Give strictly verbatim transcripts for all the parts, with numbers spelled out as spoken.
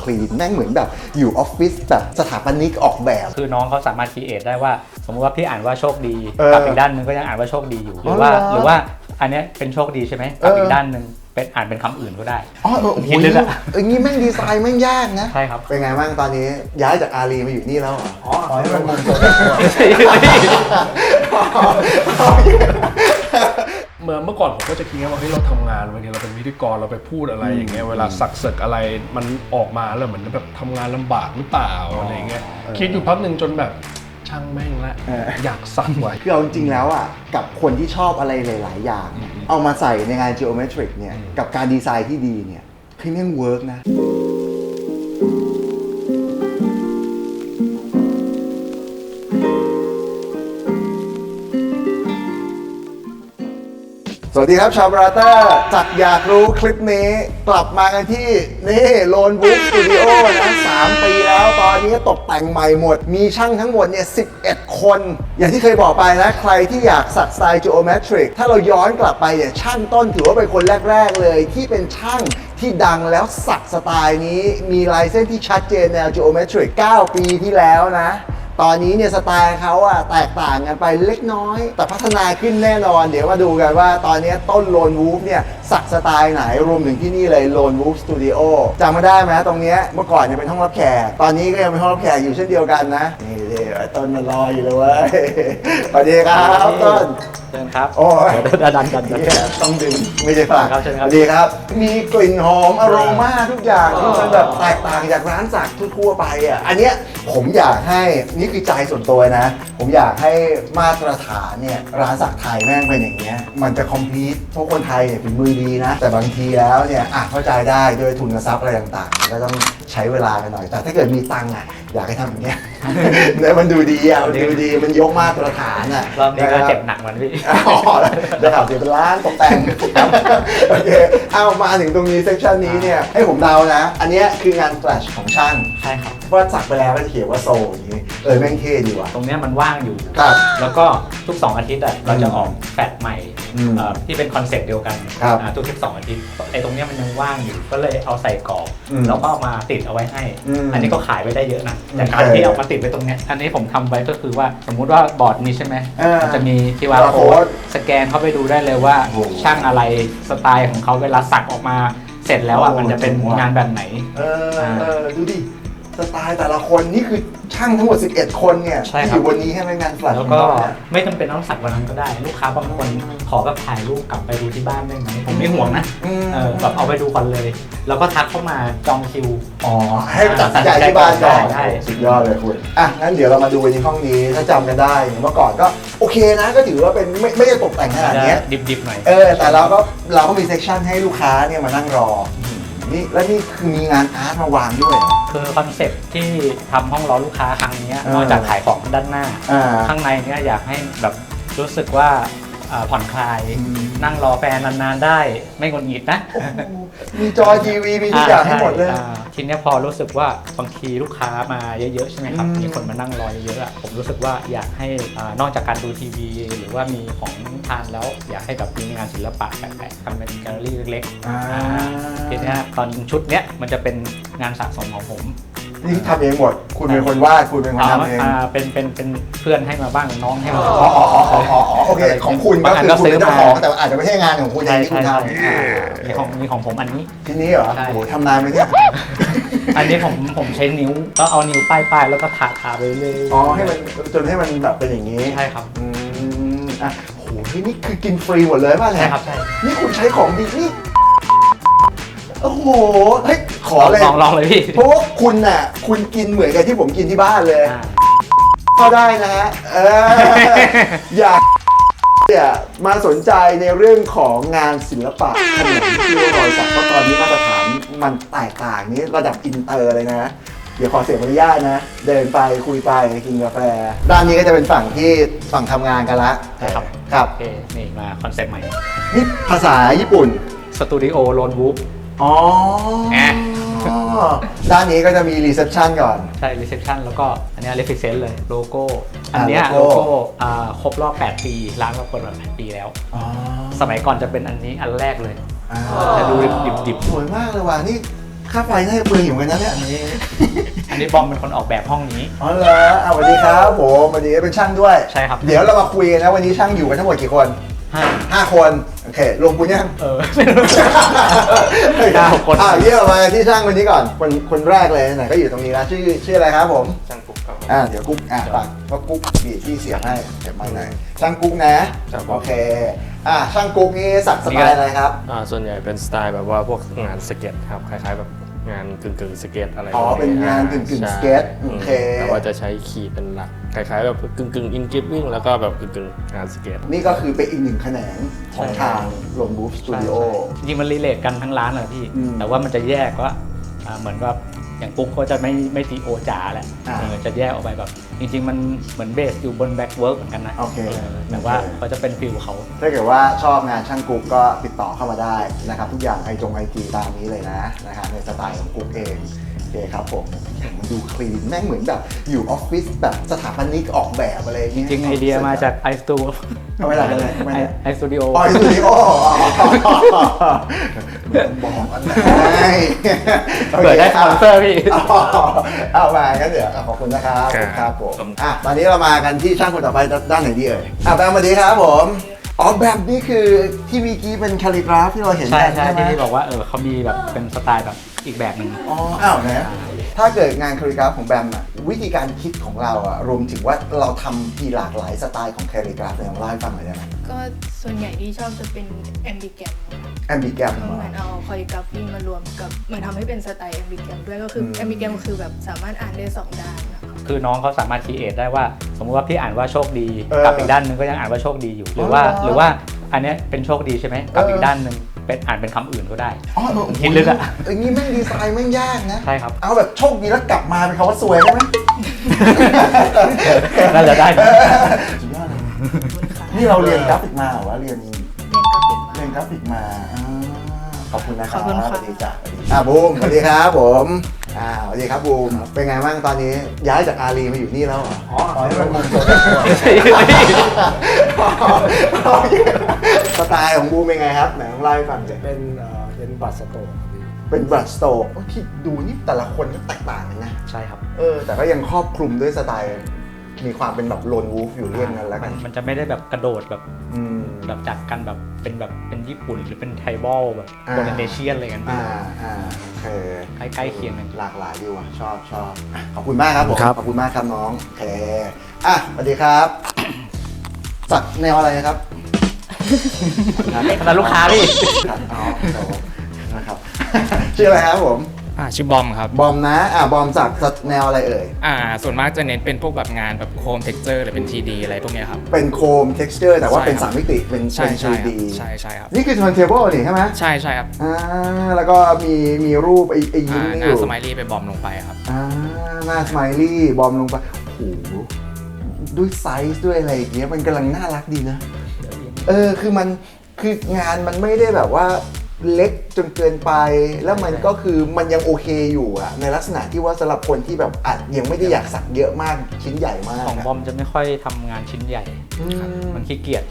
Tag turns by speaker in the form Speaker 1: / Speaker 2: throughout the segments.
Speaker 1: ลีนแม่งเหมือนแบบอยู่ออฟฟิศแบบสถาปนิกออกแบบ
Speaker 2: คือน้องเขาสามารถคิดเอทได้ว่าสมมติว่าพี่อ่านว่าโชคดีกับอีกด้านนึงก็ยังอ่านว่าโชคดีอยู่หรือว่าหรือว่าอันนี้เป็นโชคดีใช่ไหมกับอีกด้านนึงเป็นอ่านเป็นคำอื่นก็ได้
Speaker 1: อ๋อเออโอ้โหอย่างนี้แม่งดีไซน์แม่งยากนะ
Speaker 2: ใช่ครับ
Speaker 1: เป็นไงบ้างตอนนี้ย้ายจากอารีมาอยู่นี่แล้วอ๋อขอให้มันมงคล
Speaker 3: เมื่อเมื่อก่อนผมก็จะคิดว่าเฮ้ยเราทำงานบางทีเราเป็นพิธีกรเราไปพูดอะไรอย่างเงี้ยเวลาสักเสกอะไรมันออกมาแล้วเหมือนแบบทำงานลำบากหรือเปล่าอะไรเงี้ยคิดอยู่พักหนึ่งจนแบบช่างแม่งละอยากสักไว้
Speaker 1: คือเอาจริงๆแล้วอ่ะกับคนที่ชอบอะไรหลายๆอย่างเอามาใส่ในงาน geometric เนี่ยกับการดีไซน์ที่ดีเนี่ยคือแม่งเวิร์กนะสวัสดีครับชาวบราเตอร์จากอยากรู้คลิปนี้กลับมากันที่นี่โลนบุ๊กสตูดิโอนะสามปีแล้วตอนนี้ตกแต่งใหม่หมดมีช่างทั้งหมดเนี่ยสิบเอ็ดคนอย่างที่เคยบอกไปนะใครที่อยากสักสไตล์ geometric ถ้าเราย้อนกลับไปเนี่ยช่างต้นถือว่าเป็นคนแรกๆเลยที่เป็นช่างที่ดังแล้วสักสไตล์นี้มีลายเส้นที่ชัดเจนแนว geometric เก้าปีที่แล้วนะตอนนี้เนี่ยสไตล์เขาอะแตกต่างกันไปเล็กน้อยแต่พัฒนาขึ้นแน่นอนเดี๋ยวมาดูกันว่าตอนนี้ต้นโลนวูฟเนี่ยสักสไตล์ไหนรวมถึงที่นี่เลยโลนวูฟสตูดิโอจำมาได้ไหมตรงนี้เมื่อก่อนเนี่ยเป็นห้องรับแขกตอนนี้ก็ยังเป็นห้องรับแขกอยู่เช่นเดียวกันนะนี่ดิต้นมารออยู่เลยเว้ยสวัสดีครับต้น
Speaker 2: เชิญครับ
Speaker 1: โอ้ย
Speaker 2: ดันดันดัน
Speaker 1: ต้องดึงไม่ใช่ฝาก
Speaker 2: ครับเชิญครับ
Speaker 1: ดีครับมีกลิ่นหอมอโรมาทุกอย่างที่มันแบบแตกต่างจากร้านสักทั่วๆไปอ่ะอันเนี้ยผมอยากให้นี่คือใจส่วนตัวนะผมอยากให้มาตรฐานเนี่ยร้านสักไทยแม่งเป็นอย่างเงี้ยมันจะคอมพลีทเพราะคนไทยเนี่ยฝีมือดีนะแต่บางทีแล้วเนี่ยอ่ะเข้าใจได้ด้วยทุนทรัพย์อะไรต่างๆก็ต้องใช้เวลากันหน่อยแต่ถ้าเกิดมีตังค์อ่ะอยากให้ทำอย่างเงี้ยเนี่ยมันดูดีอ่ะมันดูดีมันยกมาตรฐานอ่ะ
Speaker 2: รอบนี้ก็เจ็บหนักมันพี่
Speaker 1: อ๋อได้ข่าวเสียเป็นล้านตกแต่งโอเคเอามาถึงตรงนี้เซสชันนี้เนี่ยให้ผมเดานะอันนี้คืองานแฟลชของช่าง
Speaker 2: ใช่ครับ
Speaker 1: ว่าสักไปแล้วก็จะเขียนว่าโซอย่างนี้เออแม่งเท่ดีว่ะ
Speaker 2: ตรงนี้มันว่างอยู่
Speaker 1: ครับ
Speaker 2: แล้วก็ทุกสองอาทิตย์เราจะออกแฟลชใหม่ที่เป็นคอนเซ็ปต์เดียวกันทุกทุกสองอาทิตย์ไอ้ตรงนี้มันยังว่างอยู่ก็เลยเอาใส่กรอบแล้วก็มาติดเอาไว้ให้อันนี้ก็ขายไปได้เยอะนะแต่การที่เอามาติดไว้ตรงนี้อันนี้ผมทำไว้ก็คือว่าสมมุติว่าบอร์ดนี้ใช่ไหมมันจะมีคิว อาร์ code สแกนเข้าไปดูได้เลยว่าช่างอะไรสไตล์ของเขาเวลาสักออกมาเสร็จแล้วอ่ะมันจะเป็นงานแบบไหน
Speaker 1: เออดูดิสไตล์แต่ละคนนี่คือช่างทั้งหมดสิบเอ็ดคนเนี่ยที่อยู่บนนี้ให้เป็นงานแฟลช
Speaker 2: แล้วก็ไม่จำเป็นต้องสักวันนั้นก็ได้ลูกค้าบางคนขอแบบถ่ายรูปกลับไปดูที่บ้านได้ไหมผมไม่ห่วงนะแบบเอาไปดูก่อนเลยแล้วก็ทักเข้ามาจองคิว
Speaker 1: อ๋อให้ตัดสินใจที่บ้านก่อนสุดยอดเลยคุณอ่ะงั้นเดี๋ยวเรามาดูในห้องนี้ถ้าจำกันได้เมื่อก่อนก็โอเคนะก็ถือว่าเป็นไม่ไม่ได้ตกแต่งขนาดนี้
Speaker 2: ดิบๆหน่อย
Speaker 1: เออแต่เราก็เราก็มีเซสชั่นให้ลูกค้าเนี่ยมานั่งรอนี่แล้วนี่คือมีงานอาร์ตมาวางด้วย
Speaker 2: คือคอนเซ็ปต์ที่ทำห้องรอลูกค้าครั้งนี้นอกจากขายของด้านหน้าข้างในเนี้ยอยากให้แบบรู้สึกว่าผ่อนคลายนั่งรอแฟนนานๆได้ไม่งุนงิดนะ
Speaker 1: มีจอทีวีมีทุกอย่างให้หมดเลย
Speaker 2: ทีนี้พอรู้สึกว่าบางทีลูกค้ามาเยอะๆใช่ไหมครับมีคนมานั่งรอเยอะๆผมรู้สึกว่าอยากให้นอกจากการดูทีวีหรือว่ามีของทานแล้วอยากให้แบบมีงานศิลปะแปลกๆทำเป็นแกลเลอรี่เล็กๆทีนี้ตอนชุดเนี้ยมันจะเป็นงานสะสมของผม
Speaker 1: นี่ทำเองหมดคุณเป็นคนวาดคุณเป็นคนทำเอง
Speaker 2: เป็นเป็นเป็นเพื่อนให้มาบ้างน้องให้มา
Speaker 1: อ๋ออ๋ออ๋ออ๋อโอเคของคุณก็คือคุณเป็นเจ้าของแต่อาจจะไม่ใช่งานของคุณเองที่คุณทำ
Speaker 2: มีของมีของผมอันนี้
Speaker 1: ที่นี้เหรอโอ้โหทำนานไหมเนี่ย
Speaker 2: อันนี้ผมผมใช้นิ้วก็เอานิ้วป้ายป้ายแล้วก็ทาทาไปเลย
Speaker 1: อ๋อให้มันจนให้มันแบบเป็นอย่างนี้
Speaker 2: ใช่ครับ
Speaker 1: อืมอ่ะโหนี่คือกินฟรีหมดเลยป่ะเนี่ย
Speaker 2: ใช่ครับใช่
Speaker 1: นี่คุณใช้ของดีนี่โอ้โหเฮ้ยขอเลย
Speaker 2: ลองลองเลยพี่
Speaker 1: เพราะว่าคุณน่ะคุณกินเหมือนกับที่ผมกินที่บ้านเลยก็ได้นะฮะเอออยากเนี่ยมาสนใจในเรื่องของงานศิลปะขนมที่รอยสักเพราะตอนนี้มาตรฐานมันแตกต่างนี้ระดับอินเตอร์เลยนะเดี๋ยวขอเสียอนุญาตนะเดินไปคุยไปกินกาแฟด้านนี้ก็จะเป็นฝั่งที่ฝั่งทำงานกันละ
Speaker 2: ใช่ครับ
Speaker 1: ครับ
Speaker 2: โอเคนี่มาคอนเซ็ปต์ใหม่
Speaker 1: นี่ภาษาญี่ปุ่น
Speaker 2: สตูดิโอโลนวูฟ
Speaker 1: อ๋อด้านนี้ก็จะมีรีเซพชันก่อน
Speaker 2: ใช่รีเซพชันแล้วก็อันนี้เรฟฟิเซนต์เลยโลโก้อันนี้โลโก้ครบรอบแปดปีร้านเราเปิดมาแปดปีแล้วสมัยก่อนจะเป็นอันนี้อันแรกเลยจะดูดิบ
Speaker 1: ๆสวยมากเลยว่ะนี่ค่าไฟน่าจะเปลืองอยู่กันนะเนี่ย
Speaker 2: อันนี้อันนี้บอมเป็นคนออกแบบห้องนี้
Speaker 1: อ๋อเหรอเอาสวัสดีครับผมวันนี้เป็นช่างด้วย
Speaker 2: ใช่ครับ
Speaker 1: เดี๋ยวเรามาคุยกันนะวันนี้ช่างอยู่กันทั้งหมดกี่คน
Speaker 2: ห้า
Speaker 1: ห้าคนโอเครวมคุณยัง
Speaker 2: เออ
Speaker 1: เก้า
Speaker 2: คน
Speaker 1: อ่ะเยี่ยมมาที่ช่างคนนี้ก่อนคนคนแรกเลยไหนก็อยู่ตรงนี้แล้วชื่อชื่ออะไรครับผม
Speaker 4: ช่างกุ๊กครับ
Speaker 1: อ่าเดี๋ยวกุ๊กอ่ะฝากว่ากุ๊กบีที่เสียงให้เก็บไม้หน่อยช่างกุ๊กนะครับ โอเคอ่ะช่างกุ๊กนี่สักสไตล์อะไรครับ
Speaker 4: อ่าส่วนใหญ่เป็นสไตล์แบบว่าพวกงานสเก็ตครับคล้ายๆแบบงานกึ่งกึ่งๆสเก็ตอะไร
Speaker 1: อ๋อ
Speaker 4: พว
Speaker 1: เป็นงานกึ่งกึ่ง
Speaker 4: ใช่
Speaker 1: สเก็ต
Speaker 4: อื
Speaker 1: โอ
Speaker 4: ม
Speaker 1: เค
Speaker 4: แต่ว่าจะใช้ขีดเป็นหลักคล้ายๆแบบกึ่งกึ่งอินกิฟวิ่งแล้วก็แบบกึ่งกึ่งๆงานสเก็ต
Speaker 1: นี่ก็คือเป็นอีกหนึ่งแขนงของ
Speaker 2: ใช่
Speaker 1: ทางลงบูฟสตูดิโอ
Speaker 2: จริงๆมันรีเลทกันทั้งร้านเลยพี่
Speaker 1: อืม
Speaker 2: แต่ว่ามันจะแยกว่าอ่าเหมือนว่าอย่างกุ๊กเขาจะไม่ไม่ตีโอจ๋าแหละ
Speaker 1: อ่า
Speaker 2: เออจะแยกออกไปแบบ จริง ๆ มันเหมือนเบสอยู่บนแบ็กเวิร์กเหมือนกันนะ
Speaker 1: โอเค
Speaker 2: เออแต่ว่า
Speaker 1: โอเค
Speaker 2: เขาจะเป็นฟิลเขา
Speaker 1: ถ้าเกิดว่าชอบงานช่างกุ๊กก็ติดต่อเข้ามาได้นะครับทุกอย่างไอจงไอจีตามนี้เลยนะนะครับในสไตล์ของกุ๊กเองโอเคครับผมอย่างมันดูคลีนแม่งเหมือนแบบอยู่ออฟฟิศแบบสถาปนิกออกแบบอะไรอย่าง
Speaker 2: จ
Speaker 1: เงี้ย
Speaker 2: ริงๆไอเดียมาจากไอสตู
Speaker 1: เอาไว้หลังกันเลยไม่ได้
Speaker 2: ไอสตูดิโอ
Speaker 1: อ๋อสตูดิโอบอกกันนะ
Speaker 2: เปิดได้สปอนเซอร์พี่
Speaker 1: เอามางั้นเดี๋ยวขอบคุณนะครับ
Speaker 4: ครับ
Speaker 1: ครับผมอ่ะตอนนี้เรามากันที่ช่างคนต่อไปด้านไหนดีเอ่ยอ่ะแบมสวัสดีครับผมอ๋อแบมนี่คือที่เมื่อกี้เป็นคาลิกราฟที่เราเห็น
Speaker 2: ใช่
Speaker 1: กัน
Speaker 2: ใช่
Speaker 1: ไหม
Speaker 2: ที่พี่บอกว่าเออเขามีแบบเป็นสไตล์แบบอีกแบบหนึ่ง
Speaker 1: อ๋ออ้าวนะถ้าเกิดงานคาลิกราฟของแบมอะวิธีการคิดของเราอะรวมถึงว่าเราทำมีหลากหลายสไตล์ของคาลิกราฟเนี่ยลองเล่าให้ฟังหน่อยได้ไหม
Speaker 5: ก็ส่วนใหญ่ที่ชอบจะเป็นแอมบิแกม
Speaker 1: แอมบิแกรม
Speaker 5: ก็เหมือนเอาคอริกราฟีมารวมกับเหมือนทำให้เป็นสไตล์แอมบิแกมด้วยก็คือ
Speaker 1: ม
Speaker 5: แอมบิแกมคือแบบสามารถอ่านได้สองด้านนะคะ
Speaker 2: คือน้องเขาสามารถคีเอทได้ว่า สมมุติว่าพี่อ่านว่าโชคดี
Speaker 1: เออ
Speaker 2: กับอีกด้านหนึ่งก็ยังอ่านว่าโชคดีอยู่ หรือว่า
Speaker 1: อ๋อเหรอ
Speaker 2: หรือว่าอันเนี้ยเป็นโชคดีใช่ไหมกับ
Speaker 1: เอออี
Speaker 2: อีกด้านหนึ่งเป็นอ่านเป็นคำอื่นก็ได้
Speaker 1: อ๋อเออ
Speaker 2: คิดลึกอะ
Speaker 1: อย่างนี้แม่งดีไซน์แม่งยากนะ
Speaker 2: ใช่ครับ
Speaker 1: เอาแบบโชคดีแล้วกลับมาเป็นคำว่าสวยได้ไหม
Speaker 2: น่าจะได้นะ
Speaker 1: สุดยอดเลยนี่เราเรียนกราฟิกมาเหรอวะเรียน
Speaker 5: เรียนกราฟิกมา
Speaker 1: เรียนกราฟิกมาอ่าขอบคุณนะครับ
Speaker 5: ขอบคุณค่ะ
Speaker 1: สวัสดีจ้ะสวัสดีอ่าบูมสวัสดีครับผมอ่าสวัสดีครับบูมเป็นไงบ้างตอนนี้ย้ายจากอารีมาอยู่นี่แล้วเหรออ๋อนี่เป็นบูมสด
Speaker 2: ไม่ใช่ไม่ใช่
Speaker 1: สไตล์ของบูมเป็นไงครับไหนลองเล่าให้ฟังสิ
Speaker 6: เป็นเอ่อเป็นบัตรสโตร์ครับพี่
Speaker 1: เป็นบรัดสโตร์ที่ดูนี่แต่ละคนก็แตกต่างกันนะ
Speaker 2: ใช่ครับ
Speaker 1: เออแต่ก็ยังครอบคลุมด้วยสไตล์มีความเป็นแบบโลนวูฟอยู่เรื่องนั้นแล้วกัน
Speaker 2: มันจะไม่ได้แบบกระโดดแบบ
Speaker 1: อืม
Speaker 2: แบบจากกันแบบเป็นแบบเป็นญี่ปุ่นหรือเป็นไทบอลแบบ
Speaker 1: อ่า
Speaker 2: โปรตุเกสอะไรกัน
Speaker 1: อ่าอ่าโอเค
Speaker 2: ใกล้ๆเคียงกัน
Speaker 1: หลากหลายดีว่ะชอบชอบอ่ะขอบคุณมากครับผม
Speaker 6: ครับ
Speaker 1: ขอบคุณมากครับน้องโอเคอ่ะสวัสดีครับสักแนวอะไรครับ
Speaker 2: ขนาดลูกค้าพี่
Speaker 1: ครับอ๋อครับผมนะครับ ชื่ออะไรครับผม
Speaker 7: อ่าชื่อบอมครับ
Speaker 1: บอมนะอ่ะบอมสักสักแนวอะไรเอ่ย
Speaker 7: อ่าส่วนมากจะเน้นเป็นพวกแบบงานแบบโคมเท็กเจอร์หรือเป็น ที ดี อะไรพวกเนี้ยครับ
Speaker 1: เป็นโคม texture แต่ว่า
Speaker 7: ใช่
Speaker 1: เป็น
Speaker 7: ครับ
Speaker 1: สามมิติเป็น
Speaker 7: ใช่
Speaker 1: เป็น
Speaker 7: ใช่ครับ
Speaker 1: ทรี ดี
Speaker 7: ใช่ใช่ครับ
Speaker 1: นี่คือ turntable นี่ใช่ไหม
Speaker 7: ใช่ใช่ครับ
Speaker 1: อ่าแล้วก็มีมีรูปไอ้ไอ้ยิ้
Speaker 7: อ่าม
Speaker 1: นี่
Speaker 7: ห
Speaker 1: อ
Speaker 7: น้า
Speaker 1: ยู่
Speaker 7: สไมลี่ไปบอมลงไปครับ
Speaker 1: อ่าหน้าสไมลี่บอมลงไปโอ้โหด้วยไซส์ด้วยอะไรอย่างเงี้ยมันกำลังน่ารักดีนะ เออคือมันคืองานมันไม่ได้แบบว่าเล็กจนเกินไป แล้วมันก็คือมันยังโอเคอยู่อะในลักษณะที่ว่าสำหรับคนที่แบบอาจยังไม่ได้อยากสักเยอะมากชิ้นใหญ่มาก
Speaker 2: ของบอมจะไม่ค่อยทำงานชิ้นใหญ่
Speaker 1: อืม
Speaker 2: มันขี้เกียจ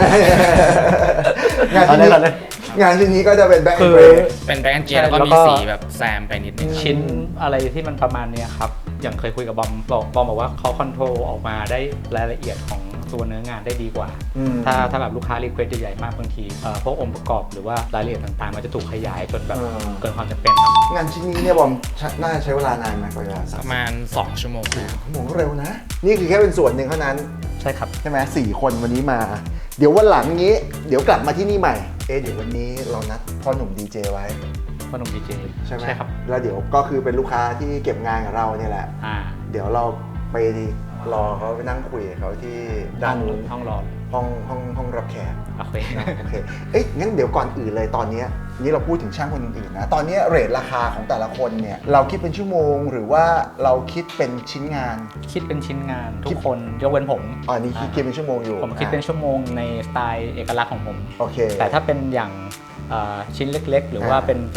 Speaker 1: งานชิ้นนี้
Speaker 2: เอาเลย
Speaker 1: งานชิ้นนี้ก็จะเป็นแบ็ค
Speaker 2: คือ
Speaker 1: เบรก
Speaker 7: เป็นแบงค์เจีย
Speaker 2: ใช่
Speaker 7: แล้วก็
Speaker 2: แล้ว
Speaker 7: มี
Speaker 2: ก็
Speaker 7: สีแบบแซมไปนิดนึง
Speaker 2: ชิ้นอะไรที่มันประมาณเนี้ยครับ อย่างเคยคุยกับบอมบอกบอมบอกว่าเขาคอนโทรลออกมาได้รายละเอียดของตัวเนื้องานได้ดีกว่า
Speaker 1: อืม
Speaker 2: ถ้าถ้าแบบลูกค้ารีเควสใหญ่ๆมากบางทีเอ่อพวกองค์ประกอบหรือว่ารายละเอียดต่างๆ มันจะถูกขยายจนแบบ
Speaker 1: เออ
Speaker 2: เกินความจำเป็นครับ
Speaker 1: งานชิ้นนี้เนี่ยบอมใช้น่าจะใช้เวลานานไหมกว่าจะสั
Speaker 7: ป
Speaker 1: ก
Speaker 7: ระมาณ 2 ชั่วโมงนะครับ
Speaker 1: โมงเร็วนะ นี่คือแค่เป็นส่วนหนึ่งเท่านั้น
Speaker 2: ใช่ครับ
Speaker 1: ใช่ไหมสี่คนวันนี้มา เดี๋ยววันหลังนี้ เดี๋ยวกลับมาที่นี่ใหม่ เอ๊ะเดี๋ยววันนี้เรานัดพ่อหนุ่มดีเจไว้
Speaker 2: พ่อหนุ่มดีเจ
Speaker 1: ใช่ไหม
Speaker 2: ใช่ครับ
Speaker 1: แล้วเดี๋ยวก็คือเป็นลูกค้าที่เก็บงานกับเราเนี่ยแหละ
Speaker 2: อ่า
Speaker 1: เดี๋ยวเราไปรอเขาไปนั่งคุยกับเขาที่ด้านนู้น
Speaker 2: ห้องรอ
Speaker 1: ห้องห้องห้องรับแขก
Speaker 2: โอเค
Speaker 1: โอเค เอ๊ะงั้นเดี๋ยวก่อนอื่นเลยตอนเนี้ยนี่เราพูดถึงช่างคนอื่นๆนะ ตอนเนี้ยเรทราคาของแต่ละคนเนี่ยเราคิดเป็นชั่วโมงหรือว่าเราคิดเป็นชิ้นงาน
Speaker 2: คิดเป็นชิ้นงานทุกคนยกเว้นผม
Speaker 1: อ๋อนี่คิดคิดเป็นชั่วโมงอยู่
Speaker 2: ผมคิดเป็นชั่วโมงในสไตล์เอกลักษณ์ของผม
Speaker 1: โอเค
Speaker 2: แต่ถ้าเป็นอย่างเอ่อชิ้นเล็กๆ หรือว่า
Speaker 1: อ่า
Speaker 2: เป็นเป็น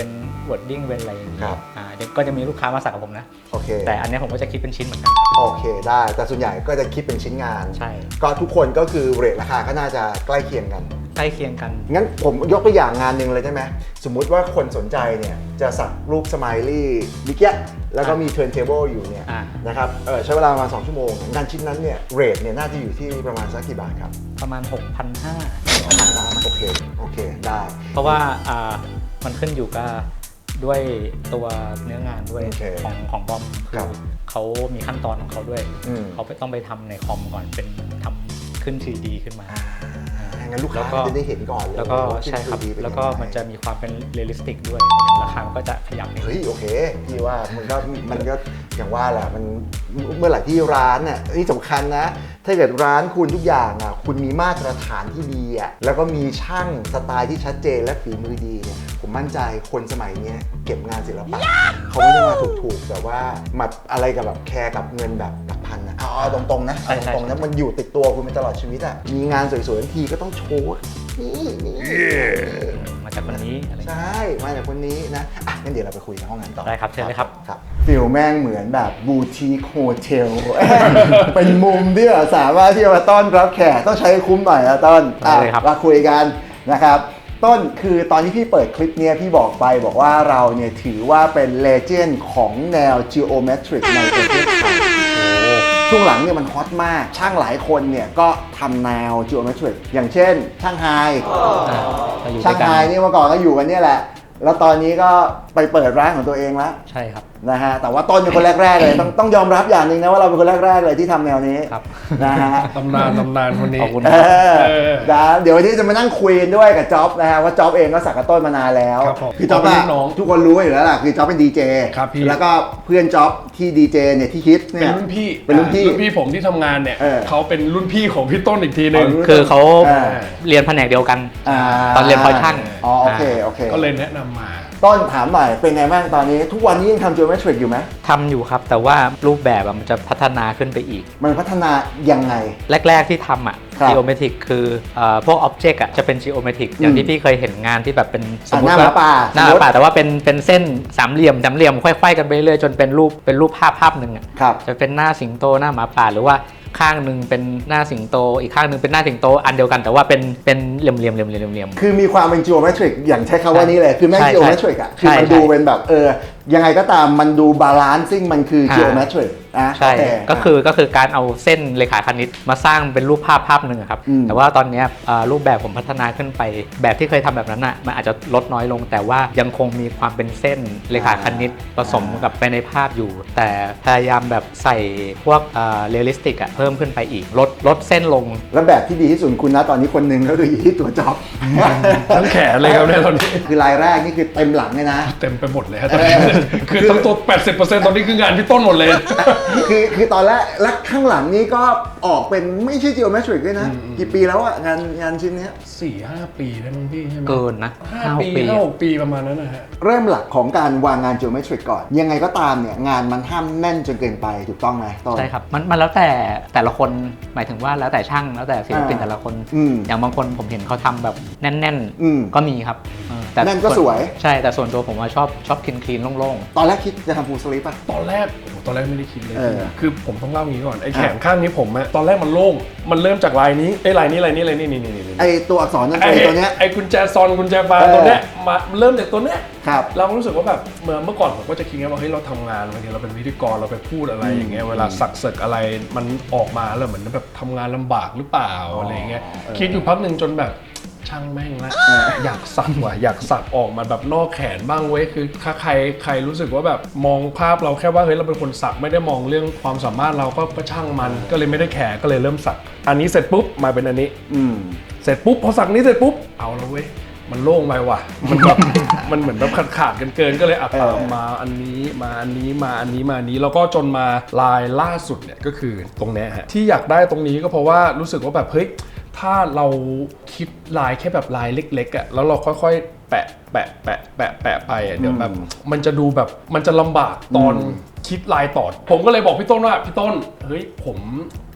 Speaker 2: wording เป็นอะไรอย่างเงี้ย
Speaker 1: ครับ
Speaker 2: อ่าเดี๋ยวก็จะมีลูกค้ามาสักกับผมนะ
Speaker 1: โอเค
Speaker 2: แต่อันเนี้ยผมก็จะคิดเป็นชิ้นเหมือนกัน
Speaker 1: โอเคได้แต่ส่วนใหญ่ก็จะคิดเป็นชิ้นงาน
Speaker 2: ใช่
Speaker 1: ก็ทุกคนก็คือเรทราคาก็น่าจะใกล้เคียงกัน
Speaker 2: ใกล้เคียงกัน
Speaker 1: งั้นผมยกตัวอย่างงานหนึ่งเลยได้ไหมสมมุติว่าคนสนใจเนี่ยจะสักรูปสไมลี่มิกเกะแล้วก็มีเทิร์นเทเบิลอยู่เนี่ย
Speaker 2: อ่า
Speaker 1: นะครับเออใช้เวลาประมาณสองชั่วโมงงานชิ้นนั้นเนี่ยเรทเนี่ยน่าจะอยู่ที่ประมาณสักกี่บาทครับ
Speaker 2: ประมาณ หกพันห้าร้อย
Speaker 1: โอเคโอเคได้
Speaker 2: เพราะว่าอ่ามันขึ้นอยู่กับด้วยตัวเนื้องานด้วย
Speaker 1: โอเค
Speaker 2: ของของบอม
Speaker 1: ค
Speaker 2: คื
Speaker 1: รั
Speaker 2: อบ เขามีขั้นตอนของเขาด้วย
Speaker 1: อืม
Speaker 2: เขาไปต้องไปทำในคอมก่อนเป็นทำขึ้น ทรี ดี ขึ้นมา
Speaker 1: งั้นลูก
Speaker 2: แล้
Speaker 1: ค้าว
Speaker 2: ก็
Speaker 1: จะได้เห็นก่อนเลย
Speaker 2: แล้วก็
Speaker 1: ว่า
Speaker 2: ใช่ครับ
Speaker 1: ทรีดีเป็น
Speaker 2: แล้วก็
Speaker 1: ยังไง
Speaker 2: มันจะมีความเป็นเรียลลิสติกด้วยราคามันก็จะขยับนิด
Speaker 1: เฮ้ยโอเคพี่ว่ามันก็มันก็อย่างว่าแหละมันเมื่อไหร่ที่ร้านน่ะนี่สำคัญนะ ถ้าเกิดร้านคุณทุกอย่างอ่ะคุณมีมาตรฐานที่ดีอ่ะแล้วก็มีช่างสไตล์ที่ชัดเจนและฝีมือดีเนี่ยผมมั่นใจคนสมัยเนี้ยเก็บงานศิลปะเขาไม่ได้มาถูกๆแต่ว่ามาอะไรกับแบบแคร์กับเงินแบบหลักพันนะเอาเอาตรงๆนะเอาตรงๆนะมันอยู่ติดตัวคุณไปตลอดชีวิตอ่ะมีงานสวยๆทันทีก็ต้องโชว์นี่นี่
Speaker 2: มาจากวันนี้อะไรอย่าง
Speaker 1: ใช
Speaker 2: เงี้ย่
Speaker 1: มาจากคนนี้นะอ่ะงั้นเดี๋ยวเราไปคุยกันห้องนั้นต่อ
Speaker 2: ได้ครับเชิญเลยครับ
Speaker 1: ครับฟิลแม่งเหมือนแบบบูติคโฮเทล เป็นมุมที่เราสามารถที่จะมาต้อนรับแขกต้องใช้คุ้มหน่อยนะต้น
Speaker 2: ได้เลยครับ
Speaker 1: มาคุยกันนะครับต้นคือตอนที่พี่เปิดคลิปเนี้ยพี่บอกไปบอกว่าเราเนี่ยถือว่าเป็นเลเจนด์ของแนว Geometric ในประเทศไทยช่วงหลังเนี่ยมันฮอตมาก ช่างหลายคนเนี่ยก็ทำแนว Geometric อย่างเช่น ช่างไฮ
Speaker 2: เราอยู่ด้
Speaker 1: ช่าว ง
Speaker 2: ยกั
Speaker 1: ไฮ
Speaker 2: น
Speaker 1: นี่เมื่อก่อนก็อยู่กันเนี่ยแหละ แล้วตอนนี้ก็ไปเปิดร้านของตัวเองแล้ว
Speaker 2: ใช่ครับ
Speaker 1: นะฮะ แต่ว่าต้นเป็นคนแรกๆเลย ต้องต้องยอมรับอย่างหนึ่งนะว่าเราเป็นคนแรกๆเลยที่ทำแนวนี้
Speaker 2: ครับ
Speaker 1: นะฮะ
Speaker 3: ตำนานตำนานคนนี้
Speaker 2: ขอบคุณ
Speaker 1: เออ
Speaker 3: เออ
Speaker 1: นะเดี๋ยววันนี้จะมานั่งคุยกันด้วยกับจ๊อบนะฮะว่าจ๊อบเองก็สักกับต้นมานานแล้ว
Speaker 3: ครับผม
Speaker 1: คือจ๊อบ
Speaker 3: เป็น
Speaker 1: อะ
Speaker 3: ลูกน้อง
Speaker 1: ทุกคนรู้อยู่แล้วล่ะคือจ๊อบเป็นดีเจ
Speaker 3: ครับพี่
Speaker 1: แล้วก็เพื่อนจ๊อบที่ดีเจเนี่ยที่คิดเนี่
Speaker 3: เป็น
Speaker 1: ย
Speaker 3: รุ่นพี่
Speaker 1: เป็นรุ่นพี่
Speaker 3: รุ่นพี่ผมที่ทำงานเนี่ย
Speaker 1: เออ
Speaker 3: เขาเป็นรุ่นพี่ของพี่ต้นอีกทีหนึ่ง
Speaker 1: อ๋อ
Speaker 2: คือเขา
Speaker 1: อ่า
Speaker 2: เรียนแผนกเดียวกัน
Speaker 1: า
Speaker 2: ตอนเรียนพลอยช่าง
Speaker 1: อ๋อโอเคโอเค
Speaker 3: ก็เลยแนะนำมา
Speaker 1: ต้นถามหน่อยเป็นไงบ้างตอนนี้ทุกวันนี้ยังทำ Geometric อยู่ไหม
Speaker 2: ทำอยู่ครับ แต่ว่ารูปแบบอะมันจะพัฒนาขึ้นไปอีก
Speaker 1: มันพัฒนายังไง
Speaker 2: แรก ๆ ที่ทำอ่ะ
Speaker 1: ครับ
Speaker 2: geometric คือเอ่อพวก object อ่ะจะเป็น geometric อย่างที่พี่เคยเห็นงานที่แบบเป็นสมมติ
Speaker 1: อ่ะหน้าหมาป่า
Speaker 2: หน้าห
Speaker 1: สม
Speaker 2: มา
Speaker 1: มุติ
Speaker 2: ป่าแต่ว่าเป็นเป็นเส้นสามเหลี่ยมสามเหลี่ยมค่อยๆกันไปเรื่อยจนเป็นรูปเป็นรูปภาพภาพหนึ่งอ่ะ
Speaker 1: ครับ
Speaker 2: จะเป็นหน้าสิงโตหน้าหมาป่าหรือว่าข้างหนึ่งเป็นหน้าสิงโต อีกข้างหนึ่งเป็นหน้าสิงโตอันเดียวกันแต่ว่าเป็นเป็นเหลี่ยมๆเหลี่ยมๆเหลี่ยมๆเหลี่ยม
Speaker 1: คือมีความเป็น geometric อย่างใช้คำว่านี้เลย คือแม่ง
Speaker 2: ใช่
Speaker 1: geometric อ่ะ
Speaker 2: ใช่
Speaker 1: คือมัน
Speaker 2: ใช่
Speaker 1: ดูเป็นแบบเออ ยังไงก็ตามมันดูบาลานซิ่งมันคือ
Speaker 2: อ่า
Speaker 1: geometric นะ
Speaker 2: ใช่
Speaker 1: โอเค
Speaker 2: ก็คือก็คือการเอาเส้นเรขาคณิตมาสร้างเป็นรูปภาพภาพหนึ่งอะครับ
Speaker 1: อืม
Speaker 2: แต่ว่าตอนเนี้ยเอ่อรูปแบบผมพัฒนาขึ้นไป แบบที่เคยทำแบบนั้นอ่ะมันอาจจะลดน้อยลง แต่ว่ายังคงมีความเป็นเส้นเรขาคณิตผสมกับไปในภาพอยู่ แต่พยายามแบบใส่พวกเรียลลิสติกอ่ะเพิ่มขึ้นไปอีกลดลดเส้นลง
Speaker 1: แล้วแบบที่ดีที่สุดคุณนะตอนนี้คนหนึ่งก็คืออยู่ที่ตัวจ็อบ
Speaker 3: ทั้งแขนเลยครับเนี่ยตอนนี้
Speaker 1: คือลายแรกนี่คือเต็มหลังเลยนะ
Speaker 3: เต็มไปหมดเลยครับตอนนี้คือทั้งตัว แปดสิบเปอร์เซ็นต์ ตอนนี้คืองานพี่ต้นหมดเลย
Speaker 1: คือคือตอนแรกและข้างหลังนี้ก็ออกเป็นไม่ใช่ geometric ด้วยนะ กี่ปีแล้วอะงานงานชิ้นเนี้ย
Speaker 3: สี่ห้าปีได้มั้งพี่ใช่ไหม
Speaker 2: เกินนะ
Speaker 3: ห้า
Speaker 2: ห้าห
Speaker 3: ปี
Speaker 2: กปี
Speaker 3: ห้าหกปีประมาณนั้นนะฮะ
Speaker 1: เริ่มหลักของการวางงาน geometric ก่อน ยังไงก็ตามเนี่ยงานมันห้ามแน่นจนเกินไปถูกต้องไหมต้น
Speaker 2: ใช่ครับมันมันแล้วแต่แต่ละคนหมายถึงว่าแล้วแต่ช่างแล้วแต่ศิลปิน
Speaker 1: อ่า
Speaker 2: แต่ละคน
Speaker 1: อืม
Speaker 2: อย่างบางคนผมเห็นเขาทำแบบแน่น
Speaker 1: อืม
Speaker 2: ๆ ก็มีครับเออแต่
Speaker 1: แน่นก็สวย
Speaker 2: ใช่แต่ส่วนตัวผมว่าชอบชอบคลีนคลีนโล่ง
Speaker 1: ตอนแรกคิดจะทำ full sleeve ป่ะ
Speaker 3: ตอนแรกโอ้โหตอนแรกไม่ได้คิดเลย
Speaker 1: เออ
Speaker 3: คือผมต้องเล่างี้ก่อนไอ้แขนข้างนี้ผมอะตอนแรกมันโล่งมันเริ่มจากลายนี้ไอ้ลายนี้ลายนี้ลายนี้นี่นี่นี่
Speaker 1: ไอตัวอักษรนั่น
Speaker 3: ไอ้
Speaker 1: เองตัวเนี้ย
Speaker 3: ไอ้กุญแจซอนกุญแจบา
Speaker 1: เอ
Speaker 3: ร์
Speaker 1: อ
Speaker 3: ตัวเนี้ยมาเริ่มจากตัวเนี้ย
Speaker 1: ครับ
Speaker 3: เราก็รู้สึกว่าแบบเมื่อเมื่อก่อนผมก็จะคิดว่าเฮ้ยเราทำงานบางทีเราเป็นพิธีกรเราไปพูดอะไรอย่างเงี้ยเวลาสักเสกอะไรมันออกมาแล้วเหมือนแบบทำงานลำบากหรือเปล่าอะไรเงี้ยคิดอยู่พักหนึ่งจนแบบช่างแม่งละอยากสักว่ะอยากสักออกมาแบบนอกแขนบ้างเว้ยคือถ้าใครใครรู้สึกว่าแบบมองภาพเราแค่ว่าเฮ้ยเราเป็นคนสักไม่ได้มองเรื่องความสามารถเราก็ก็ช่างมันก็เลยไม่ได้แขกก็เลยเริ่มสักอันนี้เสร็จปุ๊บมาเป็นอันนี้
Speaker 1: อืม
Speaker 3: เสร็จปุ๊บพอสักนี้เสร็จปุ๊บเอาแล้วเว้ยมันโล่งไปว่ะมันแบบ มันเหมือนแบบขาดขาดกันเกินก็เลยอัดตามมาอันนี้มาอันนี้มาอันนี้มาอันนี้แล้วก็จนมาลายล่าสุดเนี่ยก็คือตรงเนี้ยฮะที่อยากได้ตรงนี้ก็เพราะว่ารู้สึกว่าแบบเฮ้ยถ้าเราคิดลายแค่แบบลายเล็กๆอ่ะแล้วเราค่อยๆแปะแปะแปะแปะแปะไปอ่ะเดี๋ยวแบบมันจะดูแบบมันจะลำบากตอนคิดลายต่อผมก็เลยบอกพี่ต้นว่าพี่ต้นเฮ้ยผม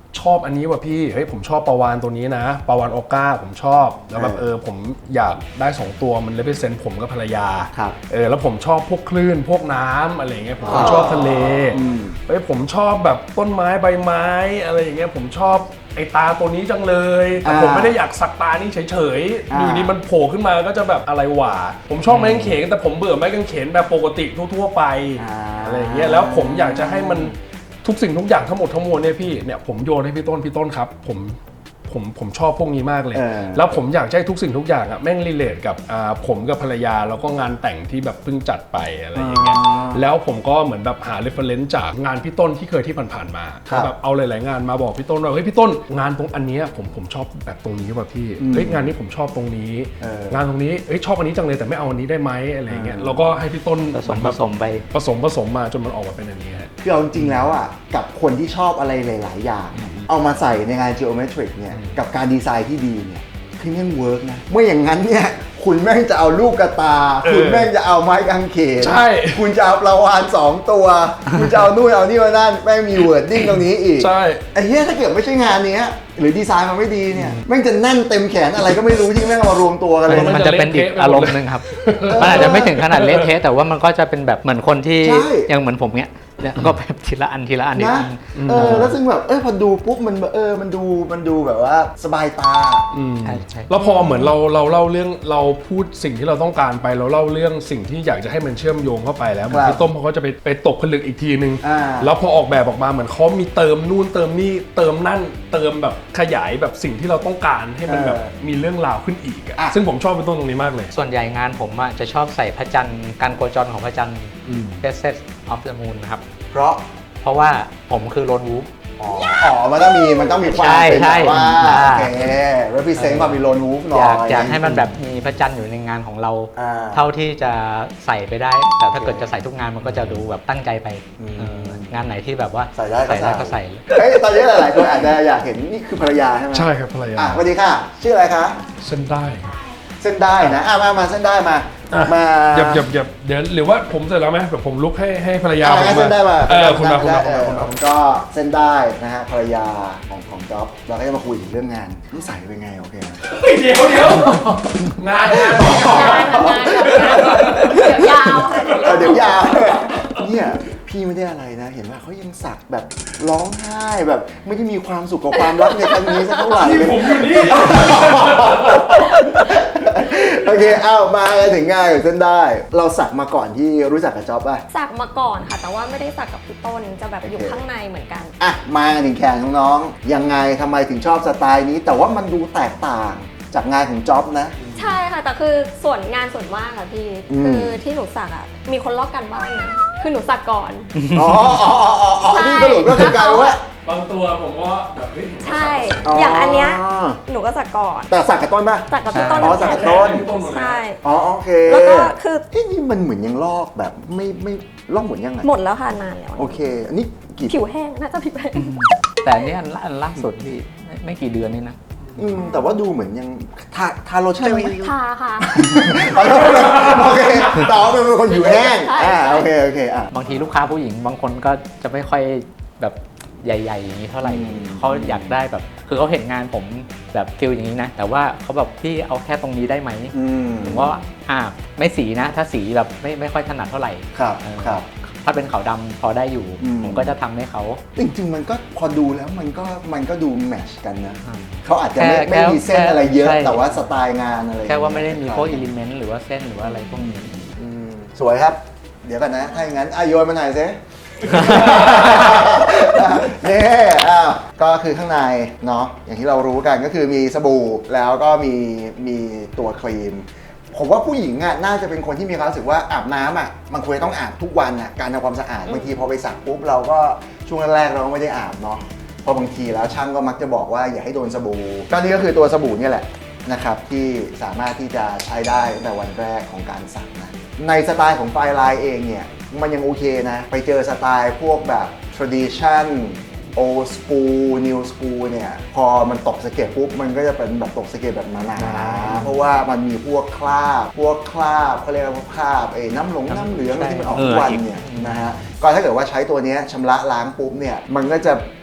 Speaker 3: ชอบอันนี้ว่ะพี่เฮ้ยผมชอบปลาวาฬตัวนี้นะปลาวาฬออก้าผมชอบแล้วแบบเออผมอยากได้สองตัวมันเลยเป็นเซนผมกับภรรยาเออแล้วผมชอบพวกคลื่นพวกน้ำอะไรอย่างเงี้ยผมชอบทะเลเฮ้ยผมชอบแบบต้นไม้ใบไม้อะไรอย่างเงี้ยผมชอบไอ้ตาตัวนี้จังเลยแต่ผมไม่ได้อยากสักตานี่เฉยๆอยู่ดีมันโผล่ขึ้นมาก็จะแบบอะไรหว่าผมชอบไม้กางเขนแต่ผมเบื่อไม้กางเขนแบบปกติทั่วๆไปอะไรอย่างเงี้ยแล้วผมอยากจะให้มันทุกสิ่งทุกอย่างทั้งหมดทั้งมวลเนี่ยพี่เนี่ยผมโยนให้พี่ต้นพี่ต้นครับผมผมผมชอบพวกนี้มากเลยแล้วผมอยากให้ทุกสิ่งทุกอย่างอะแม่งรีเลทกับอ่าผมกับภรรยาแล้วก็งานแต่งที่แบบเพิ่งจัดไปอะไรอย่างเงี้ยแล้วผมก็เหมือนแบบหาเรฟเฟอเรนซ์จากงานพี่ต้นที่เคยที่ผ่านๆมาแบบเอาหลายๆงานมาบอกพี่ต้นว่าเฮ้ยพี่ต้นงานตรงอันนี้ผมผมชอบแบบตรงนี้ว่ะพี่เฮ้ยงานนี้ผมชอบตรงนี้งานตรงนี้เฮ้ยชอบอันนี้จังเลยแต่ไม่เอาอันนี้ได้ไหมอะไรอย่างเงี้ยแล้วก็ให้พี่ต้น
Speaker 2: ผสมผสมไป
Speaker 3: ผสมผสมมาจนมันออกมาเป็นอันนี้ฮะ
Speaker 1: คือเอาจริงๆแล้วอ่ะกับคนที่ชอบอะไรหลายๆอย่างเอามาใส่ในงาน geometric เนี่ยกับการดีไซน์ที่ดีเนี่ยคือแม่งเวิร์กนะเมื่ออย่างนั้นเนี่ยคุณแม่งจะเอาลูกกระตาคุณแม่งจะเอาไม้กางเขน
Speaker 3: ใช่
Speaker 1: คุณจะเอาปลาวาฬสองตัวคุณจะเอานู่นเอานี่มานั่นแม่งมีเวิร์ดดิ้งตรงนี้อีก
Speaker 3: ใช่
Speaker 1: ไอ้เหี้ยถ้าเกิดไม่ใช่งานเนี้ยหรือดีไซน์มันไม่ดีเนี่ยแม่งจะแน่นเต็มแขนอะไรก็ไม่รู้ที่แม่งเอามารวมตัวกันเลย
Speaker 2: มันจะเป็นอีกอารมณ์หนึ่งครับ มันอาจจะไม่ถึงขนาดเละเทะแต่ว่ามันก็จะเป็นแบบเหมือนคนที่
Speaker 1: ใช่
Speaker 2: ยังเหมือนผมเนี้ยเนี่ยก็แบบทีละอันทีละอันที
Speaker 1: นะ
Speaker 2: ละอัน
Speaker 1: เออแล้วซึ่งแบบเออพอดูปุ๊บมันเออมันดูมันดูแบบว่าสบายตา
Speaker 3: อืม
Speaker 2: ใช่ใช่
Speaker 3: แล้วพอเหมือนเราเราเล่าเรื่องเราพูดสิ่งที่เราต้องการไปเราเล่าเรื่องสิ่งที่อยากจะให้มันเชื่อมโยงเข้าไปแล้วเหมือนพี่ต้มเขาก็จะไปไปตกผลึกอีกทีนึง
Speaker 1: อ่า
Speaker 3: แล้วพอออกแบบออกมาเหมือนเขามีเติมนู่นเติมนี่เติมนั่นเติมแบบขยายแบบสิ่งที่เราต้องการให้มันแบบมีเรื่องราวขึ้นอีกอะ
Speaker 1: อ่ะ
Speaker 3: ซึ่งผมชอบเป็นต้นตรงนี้มากเลย
Speaker 2: ส่วนใหญ่งานผมอะจะชอบใส่พระจันทร์การโคจรของพระจันทร์ Phases of the Moon นะครับ
Speaker 1: เพราะ
Speaker 2: เพราะว่าผมคือโลนวูฟ
Speaker 1: อ๋ออ๋อมันต้องมีมันต้องมีความ
Speaker 2: ใช่
Speaker 1: เป็น
Speaker 2: ใช่
Speaker 1: แบบว่า
Speaker 2: อ่า
Speaker 1: โอเค represent ความเป็นโลนวูฟหน่อ
Speaker 2: อย ยากอยากให้มัน
Speaker 1: แบ
Speaker 2: แบบมีพระจันทร์อยู่ในงานของเรา
Speaker 1: อ่า
Speaker 2: เท่าที่จะใส่ไปได้ แต่ถ้าเกิดจะใส่ทุกงานมันก็จะดูแบบตั้งใจไป
Speaker 1: อืม
Speaker 2: เอองานไหนที่แบบว่า
Speaker 1: ใส่ได้ก็
Speaker 2: ใส่ได้
Speaker 1: ใส่
Speaker 2: ก็ใส่
Speaker 1: เฮ้ยตอนนี้หลายๆคนอาจจะอยากเห็นนี่คือภรรยาใช่ไหม
Speaker 3: ใช่ครับภรรยา
Speaker 1: อ่ะสวัสดีค่ะ ชื่ออะไรคะ
Speaker 3: เส้นได้ครับ
Speaker 1: เส้นได้นะอ่ะมามาเส้นได้มา
Speaker 3: อ่ะ
Speaker 1: มา
Speaker 3: หยับหยับหยับเดี๋ยวหรือว่าผมเสร็จแล้วไหมแบบผมลุกให้ให้ภรรยา
Speaker 1: อ่ะ
Speaker 3: ผม
Speaker 1: งั้นเส้นได้มา
Speaker 3: เออคุณมาคุณมา
Speaker 1: เอ
Speaker 3: คุณ
Speaker 1: อ
Speaker 3: มาคุณ
Speaker 1: ผม
Speaker 3: มา
Speaker 1: ก็เส้นได้นะฮะภรรยาของของจ๊อบเราก็จะมาคุยถึงเรื่องงานนิสัยเป็นไงโอเคนะ
Speaker 3: เดี๋ยวเดี๋ยวงานงาน
Speaker 5: เดี๋ยวยาวค่ะ
Speaker 1: เออเดี๋ยวยาวเนี่ยพี่ไม่ได้อะไรนะ เห็นว่าเขายังสักแบบร้องไห้แบบไม่ได้มีความสุขกับความรักในครั้งนี้สักเท่าไหร่เลย
Speaker 3: ผมอยู่นี่
Speaker 1: โอเคเอามาถึงงานของเส้นได้ เราสักมาก่อนที่รู้จักกับจ๊อบป่ะ
Speaker 8: สักมาก่อนค่ะ แต่ว่าไม่ได้สักกับพี่ต้นจะแบบอยู่
Speaker 1: โอเค
Speaker 8: ข้างในเหมือนกัน
Speaker 1: อ่ะมาถึงแขนของน้องยังไงทำไมถึงชอบสไตล์นี้ แต่ว่ามันดูแตกต่างจากงานของจ๊อบนะ
Speaker 8: ใช่ค่ะ แต่คือส่วนงานส่วนมากค่ะพี่
Speaker 1: อืม
Speaker 8: คือที่หนูสักอ่ะมีคนลอกกันบ้านนะคือหนูสักก่อน
Speaker 1: อ๋ออ๋ออ๋ออ๋อนี่สรุปก็คือกลายเป็นว่า
Speaker 3: บางตัวผมว่าแบบเฮ้ย
Speaker 8: ใช่ อย่างอันเนี้ยหนูก็สักก่อน
Speaker 1: แต่สักกับต้นป่ะ
Speaker 8: สักกับพี่ต้น
Speaker 1: อ๋อสักกับต้น
Speaker 8: ใช่
Speaker 1: อ๋อโอเค
Speaker 8: แล้วก็คือ
Speaker 1: เอ้นี่มันเหมือนยังลอกแบบไม่ไม่ลอกเหมือนยังไง
Speaker 8: หมดแล้วค่ะนานแล้ว
Speaker 1: โอเค อันนี้กี่
Speaker 8: ผิวแห้งน่าจะผิวแห้ง
Speaker 2: แต่อันนี้อันล่าอันล่าสุดพี่ไม่ไม่กี่เดือนนี่นะ
Speaker 1: อืมแต่ว่าดูเหมือนยังทาทาโลชั่นไหม
Speaker 8: ทาค่ะ
Speaker 1: อ๋อโอเคต่อเป็นคนผิวแห้ง
Speaker 8: ใช่
Speaker 1: อ่าโอเคโอเคอ่ะ
Speaker 2: บางทีลูกค้าผู้หญิงบางคนก็จะไม่ค่อยแบบใหญ่ๆอย่างนี้เท่าไหร่
Speaker 1: อืม
Speaker 2: เขาอยากได้แบบคือเขาเห็นงานผมแบบฟิลอย่างนี้นะ แต่ว่าเขาแบบพี่เอาแค่ตรงนี้ได้ไหม
Speaker 1: อืม
Speaker 2: ผมว่าอ่าไม่สีนะ ถ้าสีแบบไม่ไม่ค่อยถนัดเท่าไหร่
Speaker 1: ครับ
Speaker 2: เออ
Speaker 1: ครับ
Speaker 2: ถ้าเป็นขาวดำพอได้อยู่
Speaker 1: อืม
Speaker 2: ผมก็จะทำให้เขา
Speaker 1: จริงๆมันก็พอดูแล้วมันก็มันก็ดูแมทชกันนะ
Speaker 2: อืม
Speaker 1: เขาอาจจะไม่
Speaker 2: แค่
Speaker 1: ไม่มีเส้นอะไรเยอะ
Speaker 2: ใช่
Speaker 1: แต่ว่าสไตล์งานอะไร
Speaker 2: แค่ว่าไม่ได้มีพวกอิเลเมนต์หรือว่าเส้นหรือว่าอะไรพวกนี้
Speaker 1: อืมสวยครับ เดี๋ยวกันนะ ถ้าอย่างนั้นอ่ะโยนมาหน่อยสิ นี่อ้าวก็คือข้างในเนาะอย่างที่เรารู้กันก็คือมีสบู่แล้วก็มีมีตัวครีม ผมว่าผู้หญิงอ่ะน่าจะเป็นคนที่มีความรู้สึกว่าอาบน้ำอ่ะมันควรต้องอาบทุกวันอ่ะการทำความสะอาดบางทีพอไปสักปุ๊บเราก็ช่วงแรกๆเราก็ไม่ได้อาบเนาะเพราะบางทีแล้วช่างก็มักจะบอกว่าอย่าให้โดนสบู่ก็นี่ก็คือตัวสบู่เนี่ยแหละนะครับที่สามารถที่จะใช้ได้ตั้งแต่วันแรกของการสักนะในสไตล์ของไฟลายเองเนี่ยมันยังโอเคนะไปเจอสไตล์พวกแบบ tradition old school new school เนี่ยพอมันตกสะเก็ดปุ๊บมันก็จะเป็นแบบตกสะเก็ดแบบหนาๆเพราะว่ามันมีพวกคราบพวกคราบเขาเรียกว่าพวกคราบไอ้น้ำหลงน้ำเหลืองอะไรที่มันออกทุกวันเนี่ยนะฮะก็ถ้าเกิดว่าใช้ตัวเนี้ยชำระล้างปุ๊บเนี่ยมันก็จะ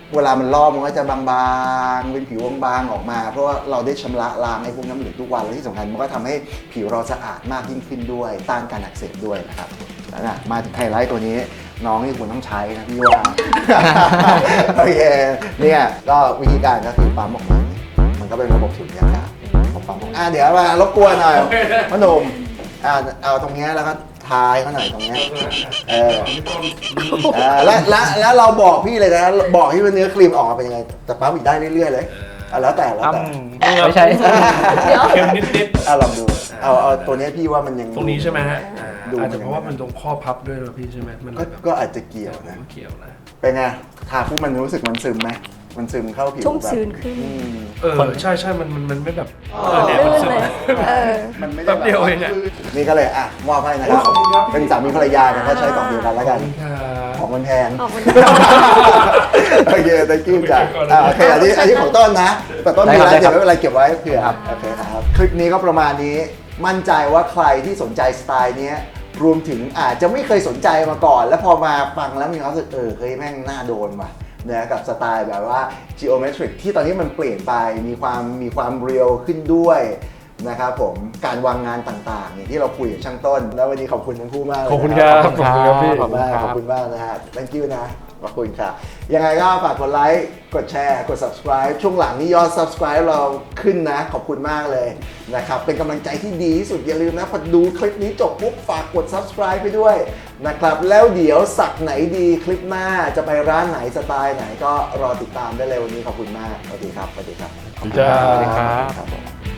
Speaker 1: เวลามันลอกมันก็จะบางๆเป็นผิวบางๆออกมา เพราะว่าเราได้ชำระล้างไอ้พวกน้ำเหลืองทุกวันและที่สำคัญมันก็ทำให้ผิวเราสะอาดมากยิ่งขึ้นด้วยต้านการอักเสบด้วยนะครับแล้วนะมาถึงไฮไลท์ตัวนี้น้องนี่ควรต้องใช้นะพี่ว่า โอเคเนี่ยก็วิธีการก็คือปั๊มออกมามันก็เป็นระบบสูญญากาศของปั๊มอ่ะเดี๋ยวมารบกวนหน่อยพ่อหนุ่มอ่าเอาตรงเนี้ยแล้วก็ทายเขาหน่อยตรงเนี้ยเออเออแล้วแล้วแล้วเราบอกพี่เลยนะบอกที่ว่าเนื้อครีมออกมาเป็นยังไงแต่ปั๊มอีกได้เรื่อยๆเลยอ่ะแล้วแต่แล้วแต่
Speaker 2: ไม่ใช่
Speaker 8: เดี๋ยว
Speaker 3: เค็มนิด
Speaker 1: อ่ะลองดูเอาเอาตัวเนี้ยพี่ว่ามันยัง
Speaker 3: ๆตรงนี้ใช่ไหมฮะ
Speaker 1: ดู
Speaker 3: อาจจะเพราะว่ามันตรงข้อพับด้วยนะพี่ใช่ไหมมันเล
Speaker 1: ก็
Speaker 3: ยแบบ
Speaker 1: ก็อาจจะเกี่ยวนะ
Speaker 3: เกี่ยวนะ
Speaker 1: เป็นไงทาปุ๊บมันรู้สึกมันซึมไหมมันซึมเข้าผิว
Speaker 8: ชุ่ม
Speaker 1: แบบ
Speaker 8: ชื้นขึ้น
Speaker 1: อืม
Speaker 3: เออใช่ใช่มันมันมันไม่แบบเออเนี่ย
Speaker 8: ลื่
Speaker 3: มัน
Speaker 8: น
Speaker 3: ซึม
Speaker 8: เลยเออ
Speaker 1: มันไม่ได้
Speaker 3: แป๊บเดียวเองอะ
Speaker 1: นี่ก็เลยอ่ะมอบให้นะครับ
Speaker 3: ขอบคุณครับ
Speaker 1: เป็นสามีภรรยากันก็ใช้กล่องเดียวกันแล้วกัน
Speaker 3: ค่ะ
Speaker 1: ของมันแพง
Speaker 8: ออกมัน
Speaker 1: โอเค thank you จ้ะอ่ะโอเคอันนี้อันนี้ของต้นนะ แต่ต้นมีร้าน
Speaker 2: ได้
Speaker 1: เดี๋
Speaker 2: ค
Speaker 1: ย
Speaker 2: รับ
Speaker 1: วไม่เป็นไรเก็บไว้เผื่อโอเคครับ คลิปนี้ก็ประมาณนี้ มั่นใจว่าใครที่สนใจสไตล์เนี้ยรวมถึงอาจจะไม่เคยสนใจมาก่อน แล้วพอมาฟังแล้วมีความรู้สึกเออเฮ้ยแม่งน่าโดนว่ะนะกับสไตล์แบบว่า geometric ที่ตอนนี้มันเปลี่ยนไปมีความมีความเรียลขึ้นด้วยนะครับผมการวางงานต่างๆอย่างที่เราคุยกับช่างต้น แล้ววันนี้ขอบคุณทั้งคู่มากเลยนะ
Speaker 3: ขอบคุณครับ
Speaker 1: ขอบคุณครับพี่
Speaker 2: ขอบคุณครับ
Speaker 1: ขอบคุณมากนะฮะ thank you นะขอบคุณครับยังไงก็ฝากกดไลค์กดแชร์กด subscribe ช่วงหลังนี้ยอด subscribe เราขึ้นนะขอบคุณมากเลยนะครับเป็นกำลังใจที่ดีที่สุดอย่าลืมนะพอดูคลิปนี้จบปุ๊บฝากกด subscribe ไปด้วยนะครับแล้วเดี๋ยวสักไหนดีคลิปหน้าจะไปร้านไหนสไตล์ไหนก็รอติดตามได้เลยวันนี้ขอบคุณมากสวัสดีครับสวัสดีครับ
Speaker 3: สวัสดีครับ
Speaker 1: ครับผม